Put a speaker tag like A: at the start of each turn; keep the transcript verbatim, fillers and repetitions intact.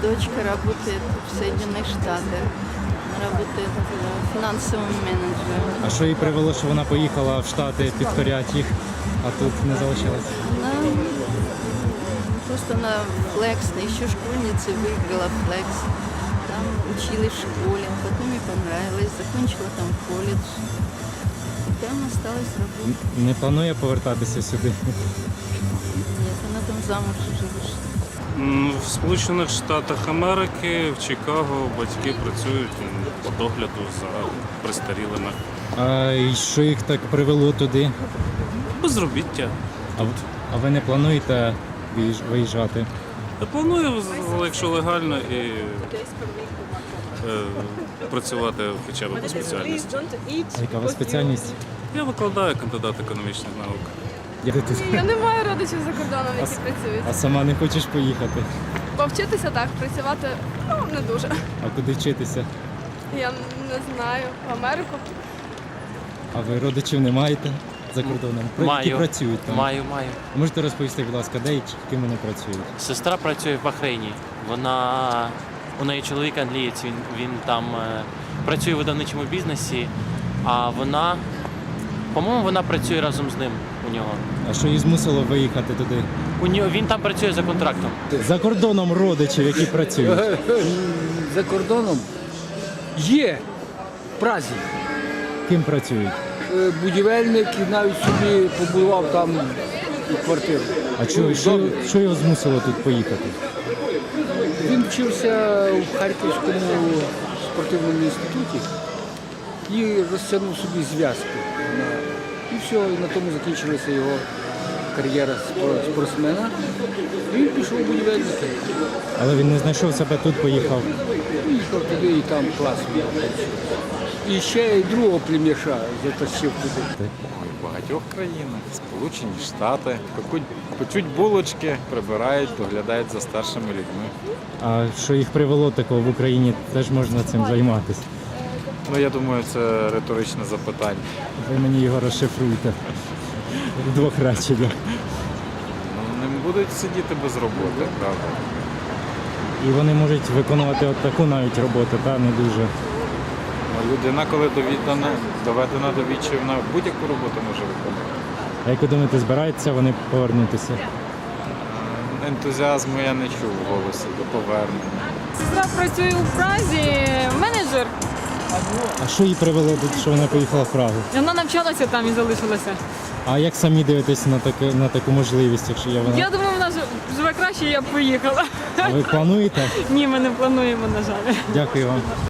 A: дочка работает в Соединенных Штатах. Она работает э, финансовым менеджером.
B: А що їй привело, що вона поїхала в Штати підкоряти їх, а тут не залишилась?
A: Она м, просто на флекс, еще школьницы выиграла флекс. Там училась в школе, потом ей понравилось, закончила там колледж. И там осталась работать.
B: Не планує повертатися сюди?
A: Нет, она там замуж уже вышла.
C: М, В Сполучених Штатах Америки, в Чикаго батьки працюють м, по догляду за престарілими.
B: А і що їх так привело туди?
C: Безробіття.
B: А, в- а ви не плануєте виїж- виїжджати?
C: Я планую, з- якщо легально, і е, працювати хоча б по спеціальності.
B: А яка у вас спеціальність?
C: Я викладаю кандидат економічних наук.
B: Я тут.
D: Я не маю родичів за кордоном,
B: А
D: які
B: с-
D: працюють.
B: А сама не хочеш поїхати?
D: Повчитися так, працювати ну, не дуже.
B: А куди вчитися?
D: Я не знаю. В Америку.
B: А ви родичів не маєте за кордоном? Про- Які
E: Маю.
B: працюють там?
E: Маю, маю.
B: Можете розповісти, будь ласка, де і ким вони працюють?
E: Сестра працює в Бахрейні. Вона у неї чоловік англієць, він, він там е, працює в видавничому бізнесі, а вона, по-моєму, вона працює разом з ним у нього.
B: А що її змусило виїхати туди?
E: У нього він там працює за контрактом.
B: За кордоном родичів, які працюють.
F: За кордоном є в Празі.
B: Ким працюють?
F: Е, Будівельник і навіть собі побудував там квартиру.
B: А що, що, що його змусило тут поїхати?
F: Він вчився в Харківському спортивному інституті і розтягнув собі зв'язки. І все, і на тому закінчилася його кар'єра спор- спортсмена. І він пішов у будівельники.
B: Але він не знайшов себе тут, поїхав.
F: Поїхав туди і там класно. І ще й другого плем'яша затащив туди.
G: В багатьох країнах, Сполучені Штати, пекуть, печуть булочки, прибирають, доглядають за старшими людьми.
B: А що їх привело такого в Україні, теж можна цим займатися.
G: Ну, я думаю, це риторичне запитання.
B: Ви мені його розшифруйте. В двох реченнях.
G: Ну, не будуть сидіти без роботи, правда.
B: І вони можуть виконувати от таку навіть роботу, та не дуже.
G: Ну, людина, коли доведена, доведена до відчаю, вона будь-яку роботу може виконувати.
B: А як ви думаєте, збираються вони повернутися?
G: Ентузіазму я не чув в голосі до повернення.
D: Сестра працює у Празі, менеджер.
B: А що її привело тут, що вона поїхала в Прагу?
D: Вона навчалася там і залишилася.
B: А як самі дивитесь на таку, на таку можливість, якщо є вона?
D: Я думаю, вона ж- живе краще, я б поїхала.
B: А ви плануєте?
D: Ні, ми не плануємо, на жаль.
B: Дякую вам.